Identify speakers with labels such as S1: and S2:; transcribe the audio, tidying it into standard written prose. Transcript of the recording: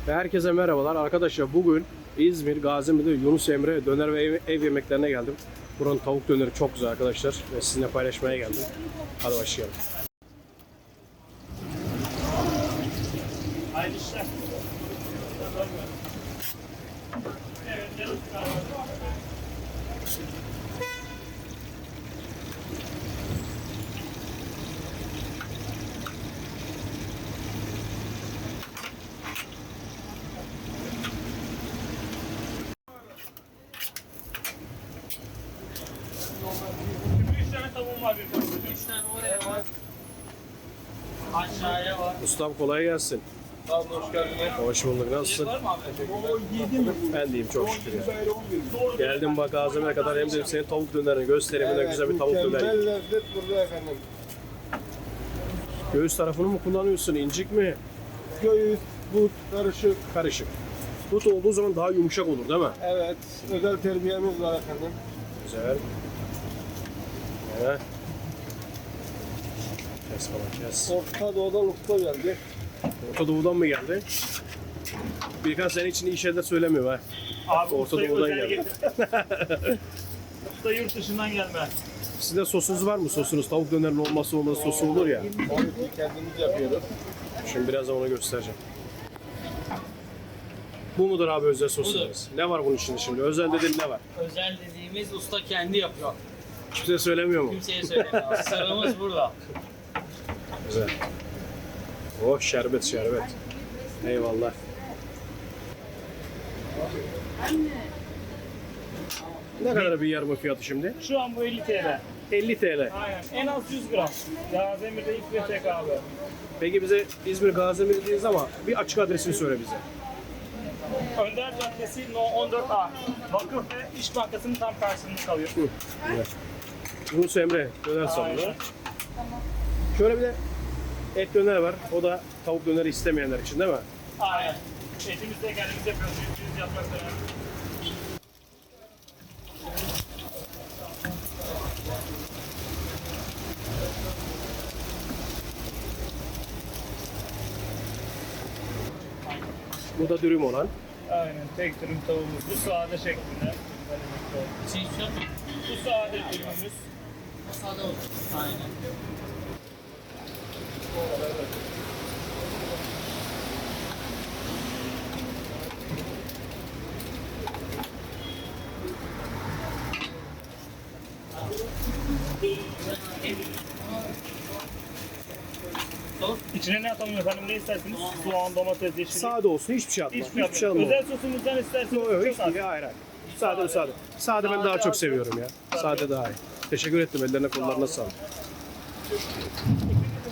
S1: Herkese merhabalar arkadaşlar. Bugün İzmir, Gaziantep'te Yunus Emre döner ve ev yemeklerine geldim. Buranın tavuk döneri çok güzel arkadaşlar ve sizinle paylaşmaya geldim. Hadi başlayalım.
S2: Hayırlı işler. Şimdi 3 tane tavuğum var bir parça. 3 tane oraya var. Aşağıya var.
S1: Ustam kolay gelsin.
S2: Sağ olun, hoş geldiniz.
S1: Hoş bulduk. Nasılsın?
S2: Var mı abi?
S1: Ben deyim çok şükür ya. Geldim bak Gaziantep'e kadar hem de senin tavuk dönerini göstereyim. Evet, güzel bir tavuk döneri.
S3: Mükemmel lezzet burada efendim.
S1: Göğüs tarafını mı kullanıyorsun? İncik mi?
S3: Göğüs, but, karışık.
S1: Karışık. But olduğu zaman daha yumuşak olur değil mi?
S3: Evet, özel terbiyemiz var efendim.
S1: Güzel. Evet. Kes falan kes.
S3: Orta Doğu'dan usta geldi.
S1: Orta Doğu'dan mı geldi? Birkaç sene için iyi şeyler söylemiyor ha.
S2: Abi
S1: Orta
S2: ustayı
S1: Doğu'dan
S2: özel
S1: geldi.
S2: getir. Usta yurt dışından gelme.
S1: Sizde sosunuz var mı? Sosunuz tavuk dönerin olmazsa olmaz sosu olur ya.
S3: Onu kendimiz yapıyoruz.
S1: Şimdi birazdan onu göstereceğim. Bu mudur abi özel sosunuz? Ne var bunun içinde şimdi? Özel dediğin ne var?
S4: Özel dediğimiz usta kendi yapıyor.
S1: Kimse söylemiyor mu?
S4: Kimseye söylemiyor. Sırrımız burada.
S1: Güzel. Oh şerbet şerbet. Eyvallah. Ne kadar bir yarım fiyatı şimdi?
S2: Şu an bu 50 TL.
S1: 50 TL.
S2: Aynen. En az 100 gram. Gaziantep'te ilk ve tek abi.
S1: Peki bize İzmir Gaziantep dediğiniz ama bir açık adresini söyle bize.
S2: Önder Caddesi No 14A. Vakıf ve İş Bankası'nın tam karşısında kalıyor.
S1: Evet. Yunus Emre döner salonu.
S2: Aynen.
S1: Şöyle bir de et döner var. O da tavuk döneri istemeyenler için değil mi?
S2: Aynen. Etimizi de kendimiz yapıyoruz. %100 yapmak önemli.
S1: Bu da dürüm olan.
S2: Aynen. Tek dürüm tavuğumuz. Bu sade şeklinde.
S4: Şey şu an
S2: Bu sade dürümümüz.
S4: masada olur. Aynen.
S2: İçine ne atalım efendim? Ne istersiniz? Soğan, domates, yeşillik.
S1: Sade olsun hiçbir şey atma.
S2: Hiçbir
S1: Hiçbir şey
S2: yapmıyor.
S1: alma.
S2: Özel sosumuzdan isterseniz
S1: Yok yok
S2: çok
S1: hiçbir
S2: az.
S1: şey hayır hayır. Sade sade. Sade ben daha çok seviyorum ya. Sade daha iyi. Teşekkür ettim ellerine kollarına sağlık.